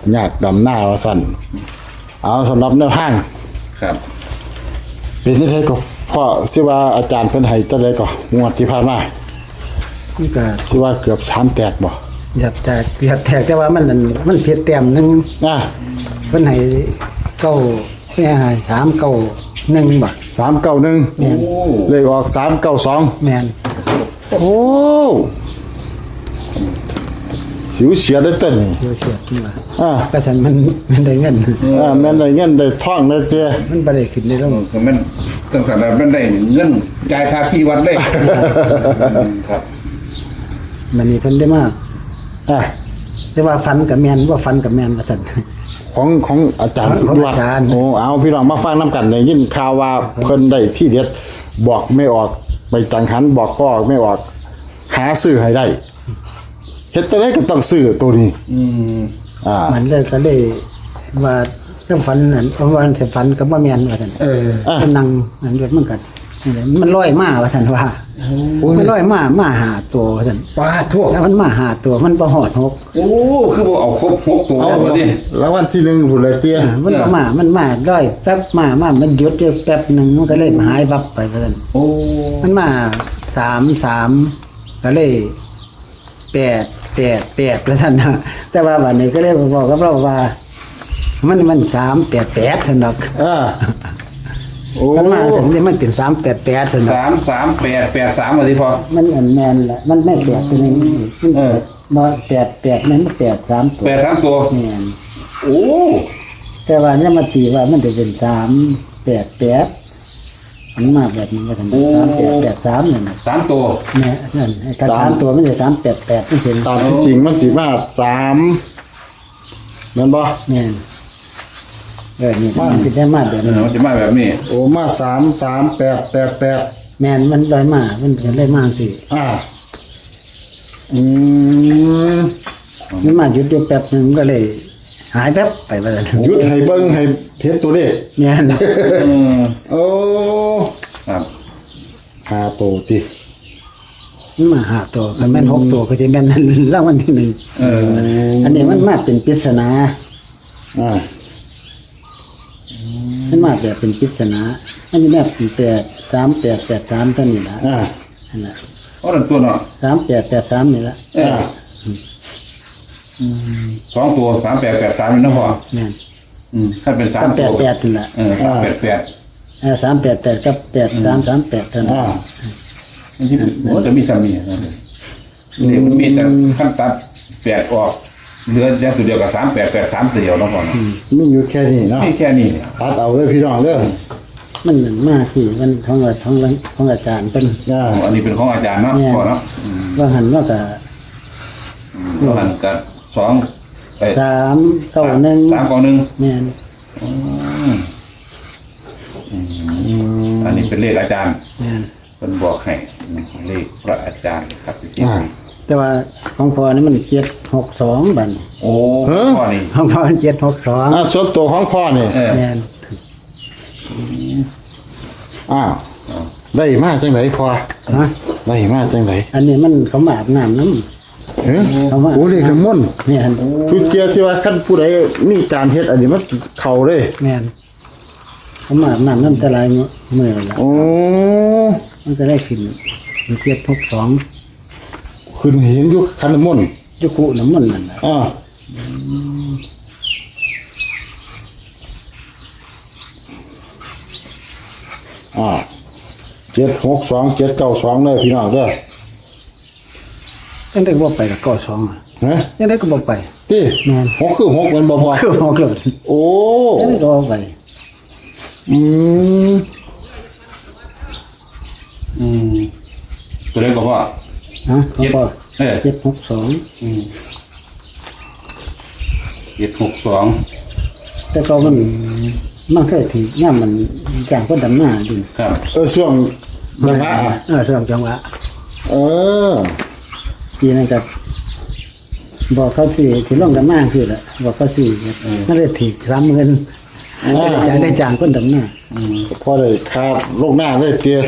ยากดำหน้าว่าสั่นเอาสำหรับแนวทางครับเป็นที่ไทยก็พ่อที่ว่าอาจารย์เพิ่นให้จังไดก็งวดที่ผ่านมานี่ก็ที่ว่าเกือบ3แตกบ่อยากแตกแต่ว่ามันเพียแต้มหนึงอ่ะเพิ่นให้เก้าแค่ให้3เก้า1บ่ 391 โอ้เลขออก392 แม่นโอ้สิวเสียได้ต้นนี่เดี๋ยวเสียขึ้นมาอ่าก็ฉันมันได้เงินแม่นได้เงินได้ทองได้เสียมันบ่ได้ขึ้นได้ลงคือมันตั้งแต่มันได้เงินจ่ายค่าที่วัดเลยครับมันนี่เพิ่นได้มากอ่ะแต่ว่าฟันกับแม่นว่าฟันกับแม่นว่าซั่นของอาจารย์ของอาจารย์โอ้เอาพี่น้องมาฟังน้ำกันได้ยินข่าวว่าเพิ่นได้ที่เด็ดบอกไม่ออกไปจังหันบอกก็ไม่ออก หาซื้อให้ได้เฮ็ดจังได๋ก็ต้องซื้อตัวนี้ อ่ามันเลยก็เลยว่าเรื่องฟันนั่นเพราะว่าสิฟันกับบ่แม่นว่าซั่นอ่ะมันนั่งนั่นด้วยมันก็นี่แหละมันลอยมาว่าซั่นว่ามันลอยมาหาตัวว่าซั่นป้าทั่วแล้วมันมาหาตัวมันบ่ฮอดหกโอ้คือบอกเอาครบ6ตัวเอาแล้วดิแล้ววันที่1พุ่นเลยเตี้ยมันบ่มามันมาลอยแป๊บมามันหยุดอยู่แป๊บหนึงมันก็เลยหายวับไปว่าซั่นโอ้มันมา3ก็เลย8ว่าซั่นนะแต่ว่าวันนี้ก็เลยบอกกับเราว่า มัน388ซั่นดอกอ่าโอ้มันมาถึงนี่มันเป็น388ซั่นดอก 33883มาดิพอมันอันแม่นแหละมันไม่แปดตัวนี้มันเออบ่แปดมันไม่8 3ตัว 83ตัวแม่นโอ้แต่ว่าเนี่ยมาตีว่ามันจะเป็น388มันมาแบบนี้ว่าซั่น3883นั่นน่ะ 3ตัวแม่นั่นไอ้กระถางตัวมันจะ388มันเป็นตามที่จริงมันสิมา3แม่นบ่แม่นนี่มันสิได้มาแบบนี้มันจะมาแบบนี้โอ้มา33888 แม่นมันลอยมามันก็เลยมาสิอ่าอืมมันมาหยุดอยู่แป๊บหนึงก็เลย หายแป๊บไปว่าซั่นหยุดให้เบิ่งให้เฮ็ดตัวเลขแม่นโอ้ครับหาโตติมันมาหาตัวก็แม่น6ตัวก็จะแม่นรางวัลที่1 เอออันนี้มันมาเป็นปริศนาอ่ามันมาแบบเป็นปริศนาอันนี้แม่เป็น3883ตัวนี้ละอ่านั่นแหละโอ้นั่นตัวเนาะ 3883นี่ละเออ2ตัว3883นี่นะพ่อแม่นถ้าเป็น3ตัว 38นี่ละ 388 388กับ8338เท่านั้นอ่ามันจะมีสามีนี่มันมีแต่ขั้นตัด8ออกเหลืออย่างตัวเดียวกับ3883ตัวเดียวแล้วก่อนมีอยู่แค่นี้เนาะนี่แค่นี้ตัดเอาเลยพี่น้องเด้อมันเหมือนมากสิมันของอาจารย์เป็นอ่าอันนี้เป็นของอาจารย์เนาะก่อนเนาะว่าหันว่ากับแล้วหันกับ2 391 391 แม่นอันนี้เป็นเลขอาจารย์แม่นเป็นบอกให้เลขพระอาจารย์ครับพี่อ่าแต่ว่าของพ่อนี่มัน762บัดนี้โอ้ข้อนี้ของพ่อมัน762 อ่าส่วนตัวของพ่อนี่แม่นอ้าวได้มาจังไดพ่อฮะได้มาจังไดอันนี้มันเขามาอาบน้ำน้เฮ้ยเขามาโอ้เลขน้ำมนต์แม่นทุกเจียที่ว่าคันผู้ใดมีการเฮ็ดอันนี้มันเข้าเลยแม่นเขามาอาบน้ำน้ำแต่ลายมือละโอ้มันก็ได้ขึ้นมัน762 ขึ้นเห็นอยู่คันน้ำมนต์ยุคุน้ำมันนั่นน่ะอ่าอ่า762 792เลยพี่น้องเด้อยังได้ก็บ่ไปละก็2อ่ะฮะยังได้ก็บ่ไปติแม่นหกคือหกมันบ่พอคือหอกเลยโอ้ยังได้ก็บ่ไปอืมตัวเลขก็พ่อฮะเขาบอก 762 762 แต่ก็มันเคยถือย่ามมันจ้างคนดำหน้าดิครับช่วงระยะอ่ะช่วงจังหวะเออปีนั้นก็บอกเขาสิที่ลงดำหน้าคือละบอกเขาสิมันเลยถือ3,000ได้จ้างคนดำหน้าพอได้คาดลูกหน้าได้เตี้ย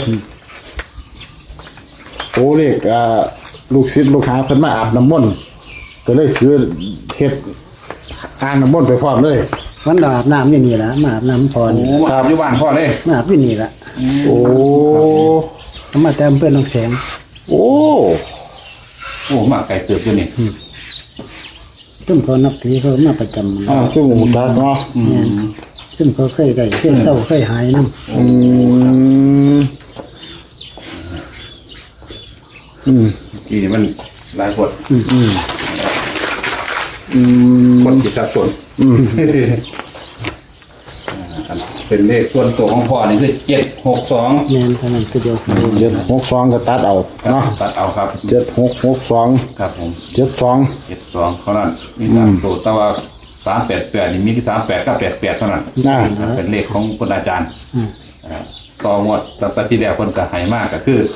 โอ้เลขลูกศิษย์ลูกหาเพิ่นมาอาบน้ำมนต์ก็เลยถือเฮ็ดอ่างน้ำมนต์ไปพร้อมเลยวันอาบน้ำอยู่นี่ละมาอาบน้ำพรโอ้มาอยู่บ้านพ่อเลยมาอาบอยู่นี่ละโอ้มาแต่อำเภอหนองแสงโอ้โอ้มาไก่เติบอยู่นี่ซึ่งเขานับถือเขามาประจำอ่าชื่อหมูจักเนาะเนี่ยซึ่งเขาเคยได้เคยเศร้าเคยหายน้อืมทีนี้มันหลายคนอืมคนที่สับสนเป็นเลขส่วนตัวของพ่อนี่คือ762 ำแมนเท่านั้นคือเดียว 762ก็ตัดเอาเนาะตัดเอาครับ 7662 ครับผม 72 72เท่านั้นนี่ตามตัวแต่ว่า388นี่มีที่38กับ88เท่านั้นอ่าเป็นเลขของคุณอาจารย์ต่องวดตั้งแต่ที่แล้วคนก็ให้มากก็คือ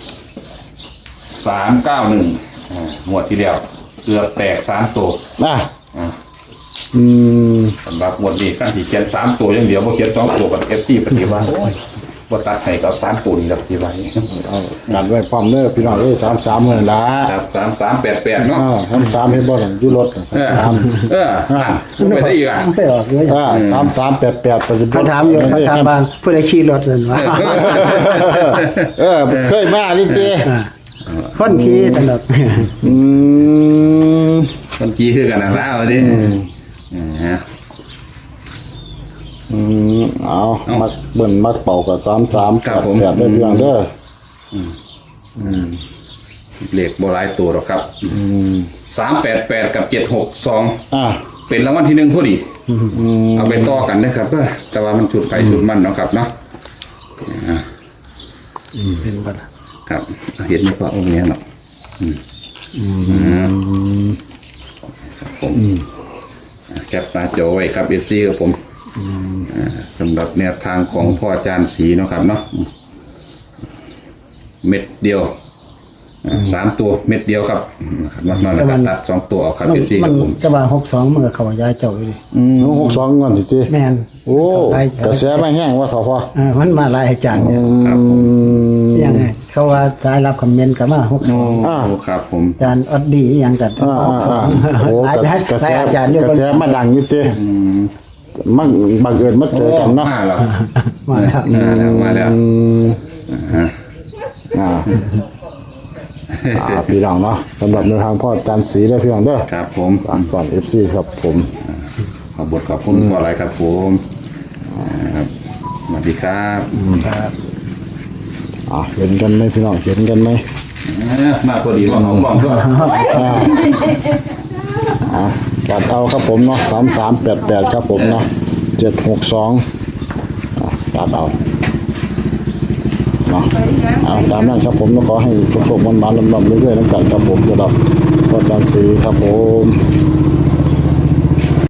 391งวดที่แล้วเกือบแตก3ตัวอ่ะอ่าอืมสำหรับงวดนี้ขั้นที่เขียน3ตัวอย่างเดียวบ่เขียน2ตัวกับ FT ปฏิวัติโอ้ยบ่ตัดให้กับ3ตัวนี่ครับที่ไว้เอากันไว้พร้อมเด้อพี่น้องเอ้ย33มื้อละครับ3388เนาะ 33เฮ็ดบ่นั่นอยู่รถไม่ได้อีกอ่ะไปออกเลย 3388ปัจจุบัเขาถามอยู่เขาถามบางผู้ใดขี่รถเห็นว่าเคยมานี่ติคนขี่ตลอดอืมคนกี้คือกันนะแล้วดิฮะเอามักเบิ่นมักเป่ากับ33 ครับผม 88ได้พี่น้องเด้อเลขโบราณตัวหรอกครับ388กับ762 อ่ะเป็นรางวัลที่1พอดีเอาไปต่อกันนะครับแต่ว่ามันสุดไปสุดมันเนาะครับเนาะเป็นบ่ล่ะครับเห็นไหมว่าองค์นี้เนาะครับผมแคปหน้าจอไว้ครับ FC ครับผมสำหรับแนวทางของพ่ออาจารย์ศรีเนาะครับเนาะเม็ดเดียว3ตัวเม็ดเดียวครับนอกนั้นก็ตัด2ตัวเอาครับ FC คมัรันบผมจะว่า62มันก็เข้ายายเจ้าอยู่ดิ 62ก่อนสิติแม่นโอ้หลายกระแสมาแห้งว่าเขาพอมันมาหลายอาจารย์เนี่ยครับผมยังไงเขาว่าสายรับคอมเมนต์ก็มา62 โอ้ครับผมอาจารย์อดดีอหยังกันโอ้หลายกระหแสลายอาจารย์อยู่กระแสมาดังอยู่ติมันบังเอิญมาเจอกันเนาะมาแล้วมาแล้วมาแล้วพี่น้องเนาะสำหรับในวทางพ่ออาจารย์ศรีได้พี่น้องเด้อครับผมก่อน FC ครับผมขอบบทขอบคุณขออะไรครับผมครับสวัสดีครับเห็นกันไหมพี่น้องเห็นกันไหมมาพอดีว่าเอากล้องด้วยตัดเอาครับผมเนาะ3388ครับผมเนาะ762ตัดเอาเนาะตามนั้นครับผมก็ขอให้สุขๆมันๆลำๆเรื่อยๆน้ำกันครับผมสำหรับพ่ออาจารย์ศรีครับผม